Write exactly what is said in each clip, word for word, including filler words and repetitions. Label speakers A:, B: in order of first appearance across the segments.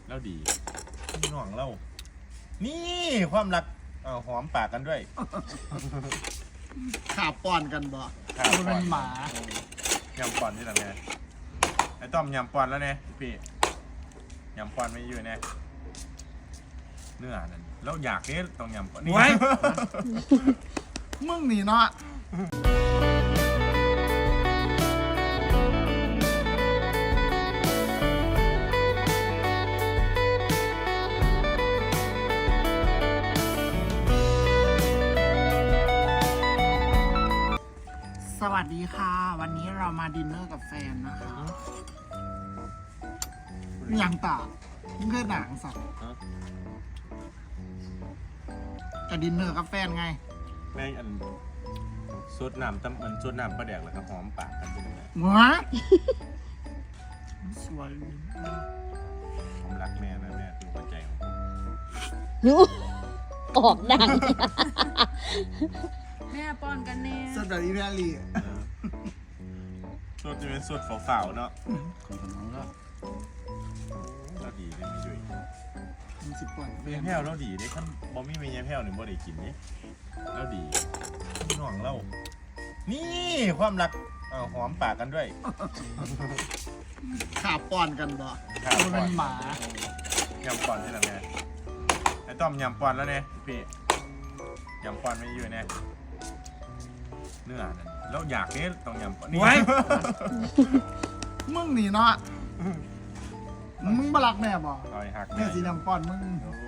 A: แล้วดีพี่น้องเล่านี่ความรักเอาหอมปากกันด้วย
B: ขาป้อนกันบ่
A: ขา
B: มันเป็นหมาย
A: ำปอนที่ไหนแม่ไอ้ต้อมยำปอนแล้วเนี่ยพี่ยำปอนไม่อยู่เนี่ยเนื้อนั่นแล้วอยากนี่ต้องยำปอนนี่
B: ไว้ มึงหนีเนาะสวัสดีค่ะ วันนี้เรามาดินเนอร์กับแฟนนะคะอย่างต่างมึงเคยหนังสัตว์จะดินเนอร์กับแฟนไง
A: แม่งอันซดน้ำตั้มมันซดน้ำปลาแดกเลยครับหอมปากกันจริงเลย
B: ว้าสวย
A: ผมรักแม่นะแม่คือหัวใจของผม
C: หนูออกดัง
D: แม่ป้อนกันแน่
B: สดแบบอีแพลี
A: สดจะเป็นสดฝาวๆเนาะแล้วดีเลยไม่ด้วย
B: มันสิบปอนด์
A: เมียแพ้วแล้วดีได้ขั้นบอมี่เมียแพ้วหนึ่งบ่ได้กินนี่แล้วดีพี่น้องเล่านี่ความรักเอาหอมปากกันด้วย
B: ขาป้อนกันบ่
A: ขา
B: มันเป็นหมา
A: ยำปอนที่ไหนแม่ไอ้ต้อมยำปอนแล้วเนี่ยพี่ยำปอนไม่อยู่เนี่ยเนื้อนั่นแล้วอยากนี่ต้องยำปอนนี่
B: ไว้ มึงหนีเนาะมึงบลักแม่บ่
A: เอาไอ้หัก
B: แม่สีดำป้อนมึง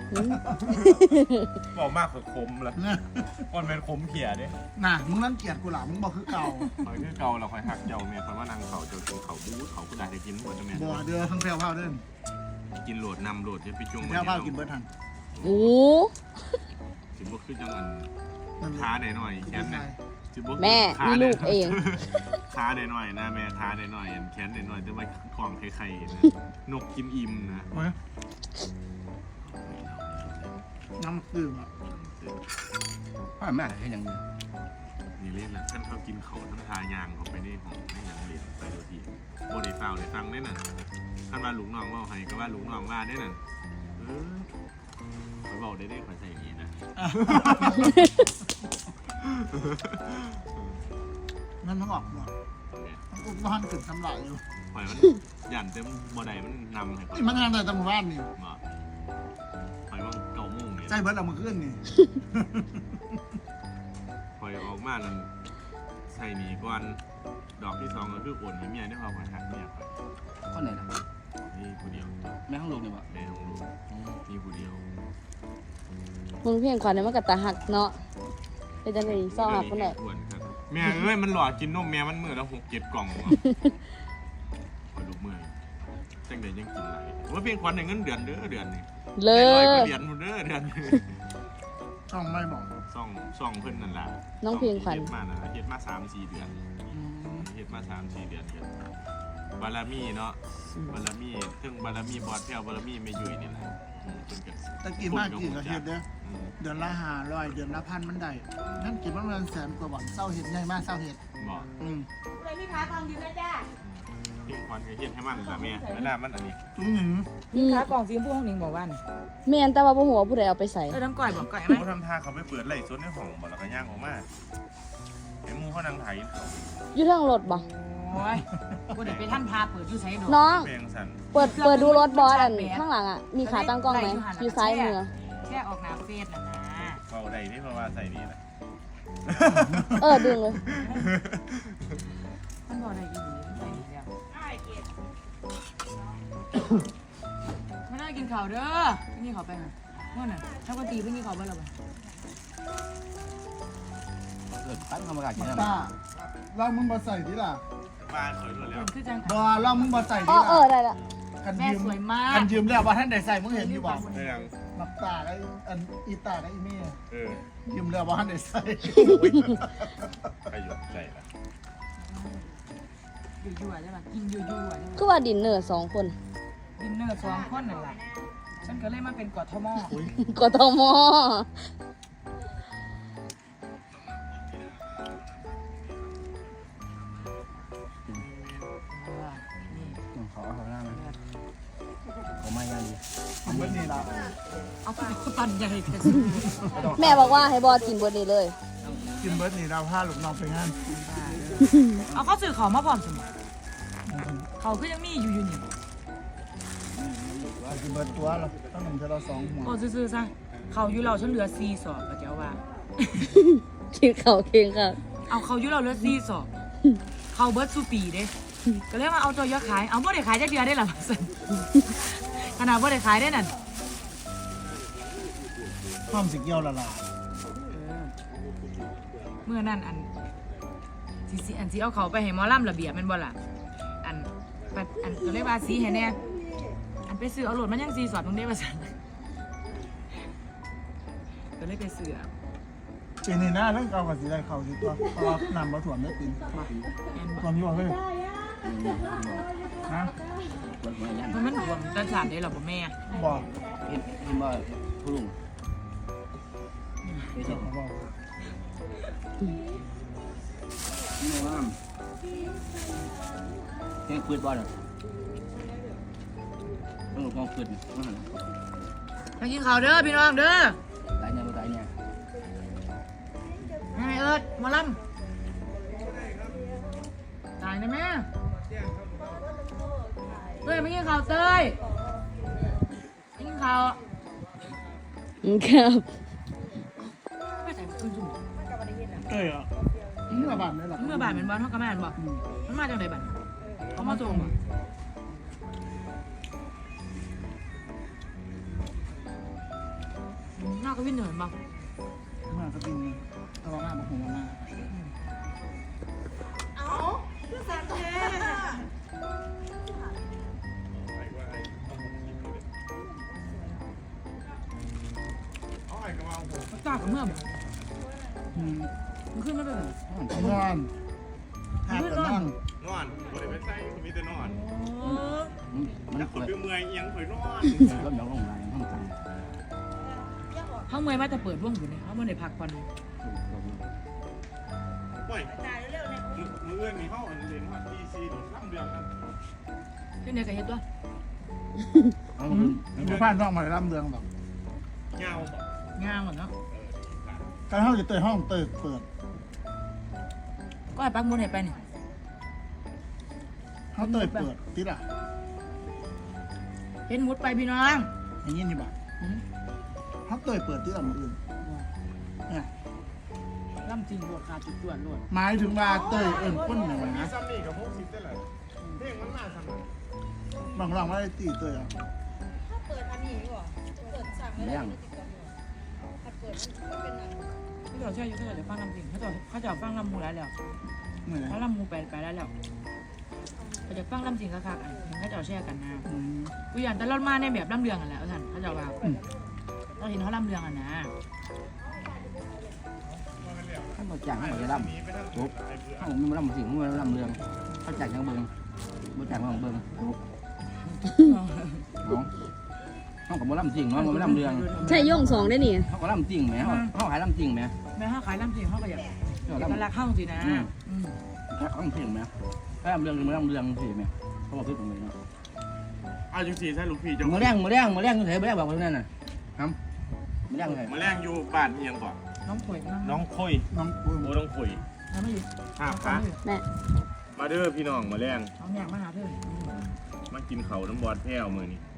A: บอกมากกว่าคมละปอนเป็นคมเขี่ยเด้
B: น่ะมึงนั่นเกลียดกูหล่ะมึงบอกคือเก่า
A: คอยคือเก่าเราคอยหักเจ้าเมียคอยว่านางเขาเจ้ากินเขาบู๊เขาก็ได้แต่กินหมดจะแม่
B: บ่เดือทั้งแพรวพาวเดิน
A: กินโหลดนำโหลดจะไปจุ่ม
B: แพรวพาวกินเบิร์ดทัน
C: โอ้
A: สิบุกขึ้นจังอัน
B: นั่น
A: ท้าหน่อยหน่อยแขน
B: ไง
A: เนี่ยสิบุก
C: แม่มีลูกเอง
A: ท้าหน่อยหน่อยนะแม่ท้าหน่อยหน่อยแขนหน่อยหน่อยจะไปคล้องไข่ๆนะนกกินอิ่มนะ
B: น้ำตื่มอ่ะ
E: พ่อแม่ให้ยังไง
A: นี่เล่นนะท่านเขากินเขาท่านทายางเขาไปนี่ของไม่ยังเรียนไปโดยที่โบได้เฝ้าได้ฟังได้น่ะท่านว่าลุงน้องว่าให้ก็ว่าลุงน้องว่าได้น่ะเออเขาบอกได้ได้ขอใส่อย่างนี้นะ
B: นั่นมันออกหมดมันอุ้มบ้านขึ้นทำลายอยู่
A: ปล่อยมันหยันเต็มบ่ได้มันนำให้ก่อน
B: นี่มันงานแต่ตำรวจบ้านนี่
A: มาปล่อยมันเก่ามุ่งเนี่ย
B: ใจเบิร์ดเอามาขึ้นนี่
A: ปล่อยออกมาแล้วใส่หนีก่อนดอกที่สองก็คือโอนให้เมียได้พอคอยหักเมียคอย
E: คนไหนล่ะ
A: นี่ผู้เดียว
E: แม่ห้องลูกนี่บ่
A: แม่ของลูกนี่ผู้เดียว
C: มึงเพียงขวัญเนี่ยมันกับตาหักเนาะเป็นจังไงซ่อหักคนไหน
A: อ้วนครับแม่เอ้ยมันหล่อกินนมแม่มันมือแล้วหกเจ็ดกล่องว่ะคอยดูมือจังเดยังกินไหลว่าเพียงควันในเงินเดือนเด้อเดือนนี่
C: เล
A: ร้อย
C: ย
A: กว่าเหรียญหมดเด้อเดือนนี่
B: ช่องไม่บอก
A: ซ่องซ่องเพิ่นนั่นล่ะ
C: น้องเพียงขวัญ
A: เฮ็ดมานั่นล่ะเฮ็ดมาสามสี่เดือน
B: อืม
A: เฮ็ดมาสามสี่เดือนเฮ็ดบารมีเนาะบารมีเทิงบารมีบอดแพ้วบารมีไม่ยุ่ยนี่แหละอืมเพิ่นก็
B: ตะกี้มากกี่กระเทียดเด้อ
A: อืม
B: เดือนละห้าร้อยเดือนละพันมันได้นั่นกินมันเงินแสนกว่าบาทเศร้าเห็ดใหญ่มากเศร้าเห็ด
A: บอก
B: อืม
D: เลยพี่ค้ากองยืนนะจ้า
A: เพียงควันก็เฮ็ดให้มันล่ะแม่ไม่น่ามันอันนี้
B: อืม
C: อืม
D: ค้ากองฟิล์มผู้ห้องหนิงบอกว่า
C: แม่นแต่ว่าบ่หัวาผู้ใดเอาไปใส่
D: เออน้ำก่อยบอกก่อยไหม
A: เขาทำท่าเขาไปเปิดไล่สดในห้องบ่แล้วก็ย่างออกมาเห็นหมูเขานั่งไถเขา
C: อยู่ทางรถบ่
D: โอ้ยกูเดี๋ยวไปท่านพาเปิดยูไซด์ดู
C: น้อง
A: เพลงสั่น
C: เปิดเปิดดูรถบอสอันข้างหลังอ่ะมีขาตั้งกล้องไหมอยู่ซ้ายมือ
D: แค่ออกหนาเฟสนะนะ
A: เบาได้นี่เพราะว่าใส่นี่แหละ
C: เออดึงเลย
D: มันบอกอะไรอีกใส่ดีแล้วไม่ได้กินข่าวเด้อพี่นี่เขาไปไหมนู่นน่ะถ้าคนตีพี่นี่เขาไปแล้วป่ะ
E: เกิดตั้งกรรมการกินได้
B: ตาเรามึงมาใส่ดิล่ะ
A: บ้านสวยด้วยแล้ว
D: คือจัง
B: บอเรามึงมาใส่ดิ
C: อ๋อ
B: ล่ะ
C: เออได้ละ
B: กัน
D: แม่
B: ยืม
D: สวยมาก
B: กันยืมแล้วว่าท่านได้ใส่มึงเห็นอยู่บอก
A: ได้ยัง
B: นับตาไอ้อันอีตาไอ้เมี่ย
A: เออ
B: ยืมแล้วว่าท่านได้ใส่
A: ไปหยดใส่ละ
D: ยั่วๆใช่ป่ะกินยั่วๆใช่
C: คือ
D: ป่ะ
C: ว่าดินเนอร์สองคน
D: ดินเนอร์สองคนนั่นแหละฉันก็เลยมาเป็นกอทม
C: กทม
D: นี่
E: ขอเขาหน้าไหมเขาไม่ยาดี
B: กินเบิดนี่ละ
D: เอาไปปั่นใหญ่แต่
C: แม่บอกว่าให้บอสกินเบดนี้เลย
B: กินเบิดนี่เราพาลูกน้องไปงาน
D: เอาเขาซื้อเขามาพร้อมสมเขาก็ยังมีอยู่อยู่นี่
B: กินเบิดตัวเราต้องหนึ่งเท่าเราสองหัว
D: ก็ซื้อๆซะเขาอยู่เราฉันเหลือสี่สอบก็เจ้าว่า
C: กินเขาวเคียงค่ะ
D: เอาเขาอยู่เราเหลือสี่สอบเขาเบิร์ดสูปีเด้ก็เลยมาเอาตัวยอขายเอาบ่ได้ขายจักเดือนได้หรอขนาดบ่ได้ขายได้นั่น
B: พร้อมสิเกี่ยวละล่ะ
D: เมื่อนั้นอันสิสิอันสิเอาเขาไปให้หมอลำระเบียบแม่นบ่ล่ะอันปัดอันก็เลยว่าสีให้แน่อันไปซื้อเอาโหลดมันยังสีสอดตรงนี้ว่าซั่นก็เลยไปซื้อเอา
B: ปีนี้นะเรื่องเก่ากับสีได้เขาสิตัวเพราะว่านำมาถ่วมได้ปีน
D: แม่นบ่
B: ถ่วมอยู่บ่เฮ้ยนะ
E: เปิดมาย่าง
D: เพราะมันรวมกันสารได้หรอบ่แม่
B: บอก
E: เห็นเห็นว่าผู้ลุงไม่ใช่
B: บอกบอก
E: นี่ว่าแค่ปืนบอลอ่ะต้องหลบมองปืนมาหัน
D: มากินข้าวเด้อพี่น้องเด้อ
E: ตายเนี่ยตายเนี่ย
D: แม่เอิดหมอลำตายนะแม่เต้ยไม่กินข้าวเต้ยไม่กินข้าว
C: ครับ
D: ไม่ใส่ปืนจุ่ม
B: เอ้ยอ่ะเมื่อบานได้หรอ
D: เมื่อบาทเป็นบอลเท่ากับแม่นบ่มันมาจากไหนบัดเขามาส่งบ่นอกก็วิ่งเหนื่อยบ่
B: เมื่อก็ปีนตะวันหน้ามาหัวมา
A: เอาไอ้กระว่าผม
D: มันกล้ากับเมื่อบ่
B: อืม
D: มันขึ้นมาเป็น
B: นอนหาดกันนั่ง
A: นอนบริเวณใต้มีแต่นอน
D: โอ้
E: มัน
A: แล้วค
E: เปิ
A: น
E: ด
A: ไปเมื่อยเอียงเผยนอน
E: ก็ยองลงมาห้องกลาง
D: เขาเมื่อยมาแต่เปิดว่องอยู่เนี่ยเขาเมื่อในพักก่อน
A: โอ้ยมือเอื้อนมีเข้าอันเรียนว่าดีซีโดดล่ำเดือดกัน
D: เช่นเดียวกับเฮ็ดตัว
E: เอา
B: อืมผู้พานต้องมาล่ำเรืองแบบ
A: เงาบอก
D: งามก่อนเนาะ
B: การเข้าจะเตยห้องเตยเปิด
D: ก็ให้ปักมดให้ไปนี่
B: เขาเตยเปิดติดอ่ะ
D: เห็นมุดไปพี่น้อง
B: อย่างนี้นี่บ่เขาเตยเปิดติดอ่ะมืออื่นเนี่ย
D: ล่ำจริงรวดขาดจุดจวนรวด
B: หมายถึงว่าเตยเอิญพ้นหนึ่ง
A: มี
B: นะ
A: ซัมนี่กับพวกซิปได้เลยเพลงมันน่าสนุก
B: บางรองว่าได้ตีเตยอ่ะ
E: เลี้ยง
D: เขาจะเชื่ออยู่เขาจะฟังลำจริงเขาจะเขาจะฟังลำมูแล้วแล้ว
B: เหนื่อย
D: เขาลำมูไปไปแล้วแล้วเขาจะฟังลำจริงค่ะค่ะเขาจะแช่กันนะ
B: อืม
D: กูอยากแต่เรามาในแบบลำเรืองกันแหละท่านเขาจะว่าเราเห็นเขาลำเรืองอ่ะนะ
E: ถ้ามาจ่างให้เราล่ำปุ๊บถ้าผมไม่ล่ำสิ่งไม่ล่ำเรืองเขาจ่ายยังเบิ้งบ่จ่ายมาของเบิ้งปุ๊บน้องเขากับบ่ล่ำสิ่งเนาะบ่ล่ำเรือง
C: ใช่ย่งสองได้นี่
E: เขาก็ล่ำสิ่งแหมเขาเขาหายล่ำสิ่งแหม
D: แม่เขาขายลำจริงเขาก็อยาก
E: เขา
D: เอก
E: ล่ำ
D: ลักษณ์เข้าสินะอืม
E: เขาล่ำสิ่งแหมถ้าล่ำเรืองหรือไม่ล่ำเรืองสิแหมเขาบอกคือตรงนี้เนาะ
A: เอาจังสีใช่ลูกพี่จะ
E: มือแรงมือแรงมือแรงอยู่ไหนมือแรงบอกว่านั่นน่ะครับมือแรงไง
A: มาแรงอยู่บ้านเอียงก่อน
D: น้องป่วย
A: น้องคุย
B: น้องปุ้ย
A: โอ้น้องคุย
D: น้องไม่อยู่
A: ห้าพระ
C: แม่
A: มาเด้อพี่น้องมาแรง
D: น้องอยากมาหาเพื่อน
A: มากินเขาวน้ำบอดแพ้วมือนี่